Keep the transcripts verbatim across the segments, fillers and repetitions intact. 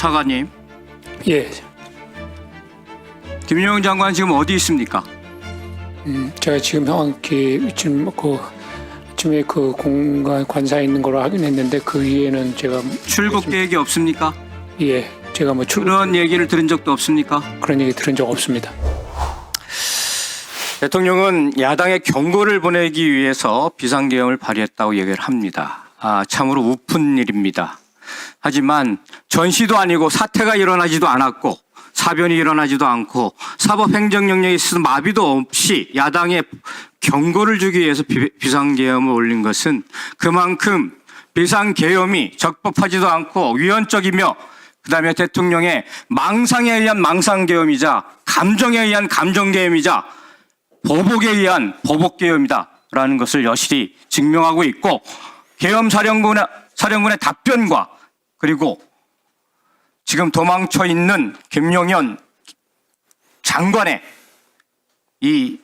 차관님, 예, 김용현 장관 지금 어디 있습니까? 음, 제가 지금 정확히 지금 그 아침에 그 공간 관사에 있는 걸로 확인했는데 그 위에는 제가 출국 계획이 없습니까? 예, 제가 뭐 출 그런 얘기를 들은 적도 없습니까? 그런 얘기 들은 적 없습니다. 대통령은 야당의 경고를 보내기 위해서 비상계엄을 발휘했다고 얘기를 합니다. 아, 참으로 우픈 일입니다. 하지만 전시도 아니고 사태가 일어나지도 않았고 사변이 일어나지도 않고 사법행정영역에 있어서 마비도 없이 야당에 경고를 주기 위해서 비, 비상계엄을 올린 것은 그만큼 비상계엄이 적법하지도 않고 위헌적이며 그다음에 대통령의 망상에 의한 망상계엄이자 감정에 의한 감정계엄이자 보복에 의한 보복계엄이다라는 것을 여실히 증명하고 있고 계엄사령관의 사령관의 답변과 그리고 지금 도망쳐 있는 김용현 장관의 이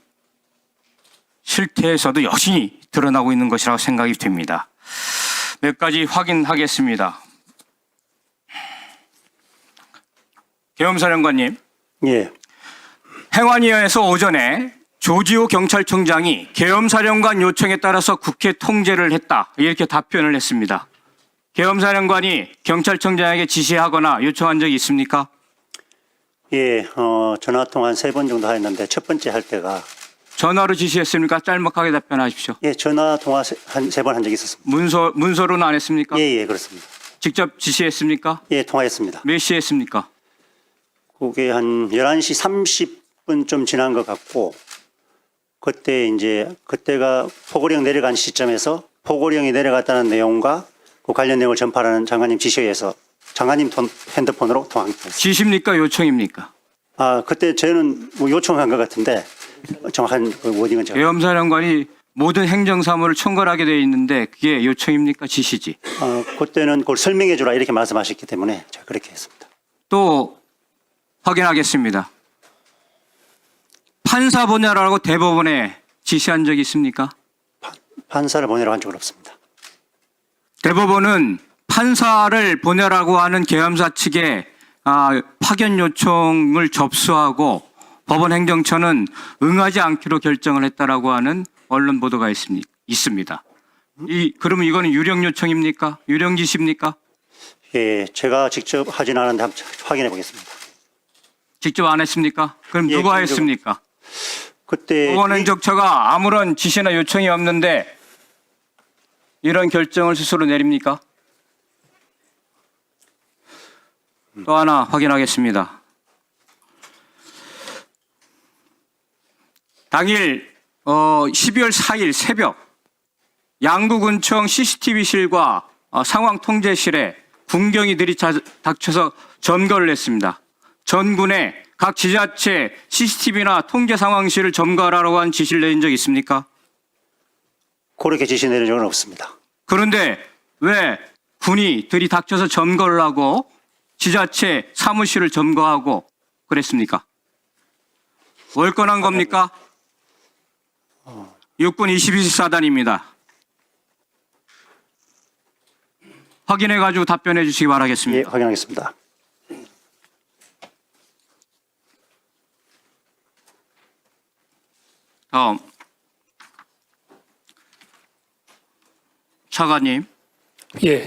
실태에서도 여신이 드러나고 있는 것이라고 생각이 됩니다. 몇 가지 확인하겠습니다. 계엄사령관님, 예, 행안위에서 오전에 조지호 경찰청장이 계엄사령관 요청에 따라서 국회 통제를 했다 이렇게 답변을 했습니다. 계엄사령관이 경찰청장에게 지시하거나 요청한 적이 있습니까? 예, 어, 전화 통화 한 세 번 정도 했는데 첫 번째 할 때가 전화로 지시했습니까? 짤막하게 답변하십시오. 예, 전화 통화 한 세 번 한 적이 있었습니다. 문서, 문서로는 안 했습니까? 예, 예, 그렇습니다. 직접 지시했습니까? 예, 통화했습니다. 몇 시에 했습니까? 그게 한 열한 시 삼십 분 좀 지난 것 같고 그때 이제 그때가 포고령 내려간 시점에서 포고령이 내려갔다는 내용과 그 관련 내용을 전파하는 장관님 지시에 의해서 장관님 돈, 핸드폰으로 통화했습니다. 지시입니까? 요청입니까? 아, 그때 저는 뭐 요청한 것 같은데 정확한 그 워딩은 제가 계엄사령관이 모든 행정사무를 총괄하게 되어 있는데 그게 요청입니까? 지시지. 어, 그때는 그걸 설명해 주라 이렇게 말씀하셨기 때문에 제가 그렇게 했습니다. 또 확인하겠습니다. 판사 보내라고 대법원에 지시한 적이 있습니까? 판사를 보내라고 한 적은 없습니다. 대법원은 판사를 보내라고 하는 계엄사 측에 아, 파견 요청을 접수하고 법원 행정처는 응하지 않기로 결정을 했다라고 하는 언론 보도가 있습니다. 있습니다. 이 그러면 이거는 유령 요청입니까? 유령 지시입니까? 예, 제가 직접 하진 않았는데 한번 확인해 보겠습니다. 직접 안 했습니까? 그럼 예, 누가 개인적으로- 했습니까? 그때 법원 행정처가 아무런 지시나 요청이 없는데 이런 결정을 스스로 내립니까? 또 하나 확인하겠습니다. 당일 어, 십이월 사일 새벽 양구군청 씨씨티비실과 어, 상황통제실에 군경이 들이닥쳐서 점거를 했습니다. 전군에 각 지자체 씨씨티비나 통제 상황실을 점거하라고 한 지시를 내린 적 있습니까? 그렇게 지시 내린 적은 없습니다. 그런데 왜 군이 들이닥쳐서 점거를 하고 지자체 사무실을 점거하고 그랬습니까? 월권한 겁니까? 육군 이십이 사단입니다. 확인해가지고 답변해 주시기 예, 바라겠습니다. 확인하겠습니다. 다음. 차관님, 예,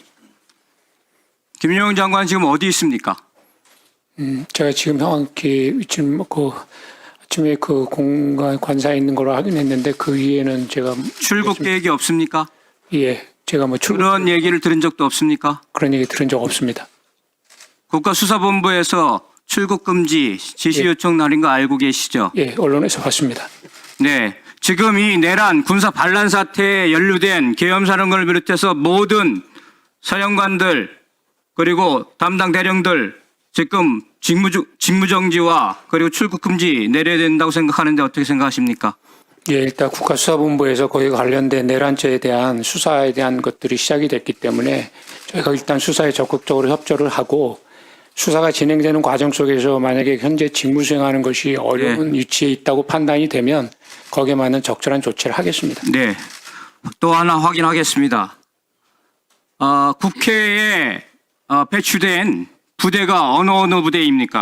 김용현 장관 지금 어디 있습니까? 음, 제가 지금 정확히 지금 그 아침에 그 공간 관사에 있는 걸로 확인했는데 그 위에는 제가 출국 계획이 없습니까? 예, 제가 뭐 출 그런 얘기를 들은 적도 없습니까? 그런 얘기 들은 적 없습니다. 국가수사본부에서 출국 금지 지시 예. 요청 날인 거 알고 계시죠? 예, 언론에서 봤습니다. 네. 지금 이 내란 군사 반란 사태에 연루된 계엄사령관을 비롯해서 모든 사령관들 그리고 담당 대령들 지금 직무, 직무정지와 그리고 출국 금지 내려야 된다고 생각하는데 어떻게 생각하십니까? 예, 일단 국가수사본부에서 거기에 관련된 내란죄에 대한 수사에 대한 것들이 시작이 됐기 때문에 저희가 일단 수사에 적극적으로 협조를 하고 수사가 진행되는 과정 속에서 만약에 현재 직무 수행하는 것이 어려운 네. 위치에 있다고 판단이 되면 거기에 맞는 적절한 조치를 하겠습니다. 네. 또 하나 확인하겠습니다. 어, 국회에 어, 배출된 부대가 어느 어느 부대입니까?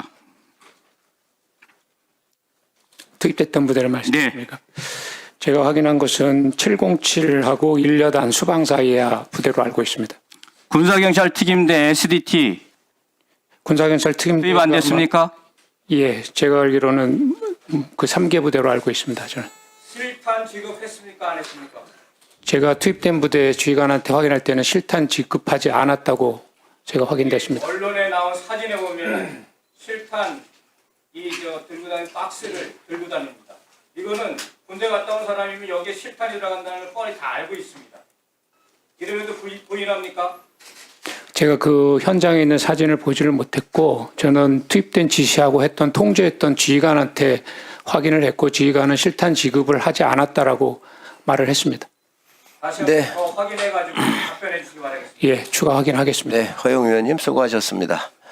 투입됐던 부대를 말씀하십니까? 제가 확인한 것은 칠공칠하고 일여단 수방사이야 부대로 알고 있습니다. 군사경찰 특임대 에스디티 군사경찰 특임 투입 안 됐습니까? 예, 제가 알기로는 그 삼 개 부대로 알고 있습니다. 저는 실탄 지급했습니까? 안 했습니까? 제가 투입된 부대 지휘관한테 확인할 때는 실탄 지급하지 않았다고 제가 확인됐습니다. 언론에 나온 사진에 보면 실탄 이 저 들고 다니는 박스를 들고 다닙니다. 이거는 군대 갔다 온 사람이면 여기에 실탄이 들어간다는 걸 뻔히 다 알고 있습니다. 이러면도 부인, 부인합니까? 제가 그 현장에 있는 사진을 보지를 못했고 저는 투입된 지시하고 했던 통제했던 지휘관한테 확인을 했고 지휘관은 실탄 지급을 하지 않았다라고 말을 했습니다. 다시 네. 한번 더 확인해가지고 답변해 주시기 바라겠습니다. 예, 추가 확인하겠습니다. 네, 허용 의원님 수고하셨습니다.